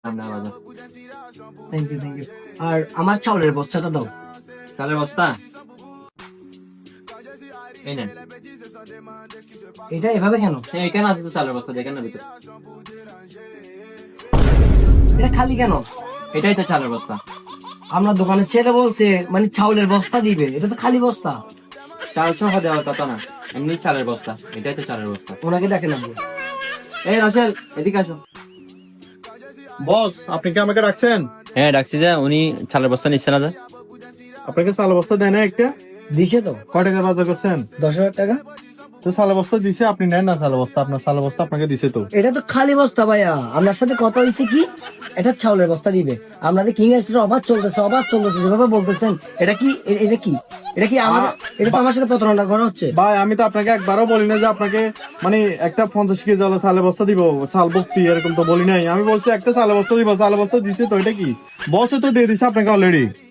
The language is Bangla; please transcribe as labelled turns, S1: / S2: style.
S1: না বাজার।
S2: Thank you thank you. আর আমার চাউলের বস্তাটা দাও।
S1: চালের বস্তা এই নেন।
S2: এটা এভাবে কেন?
S1: এখানে আছে তো চালের বস্তা, দেখেন না ভিতরে।
S2: এটা খালি কেন?
S1: এটাই তো চালের বস্তা।
S2: আমরা দোকানের ছেলে বলছে মানে চাউলের বস্তা দিবে, এটা তো খালি বস্তা।
S1: চাল সহ দেওয়ার কথা না, এমনি চালের বস্তা। এটাই তো চালের বস্তা।
S2: ওনাকে ডাকে না।
S1: এই রাসেল, এদিকে আসো।
S3: বস, আপনি কি আমাকে রাখছেন?
S1: হ্যাঁ ডাকছি যে, উনি চালের বস্তা নিচ্ছে না যে।
S3: আপনাকে চাল বস্তা দেয় না একটা?
S2: দিছে তো
S3: কয় টাকার বাজার করছেন?
S2: 10,000 টাকা।
S3: তো চাল বস্তা দিছে, আপনি নেন না চাল বস্তা। আপনার চাল বস্তা আপনাকে দিছে তো।
S2: এটা তো খালি বস্তা ভাইয়া। আপনার সাথে কথা হয়েছে কি, এটা চাউলের বস্তা দিবে। আপনাদের কিং এর অবাধ চলতেছে যেভাবে বলতেছেন। এটা কি এটা কি এটা কি আমাদের, এটা তো আমার সাথে প্রতারণা করা হচ্ছে।
S3: ভাই, আমি তো আপনাকে একবারও বলি না যে আপনাকে মানে একটা 50 কেজি চালের চালের বস্তা দিব, চাল ভর্তি, এরকম তো বলি নাই। আমি বলছি একটা চালের বস্তা দিব, চালের বস্তা দিছে তো। এটা কি বসে তো দিয়ে দিছে আপনাকে অলরেডি।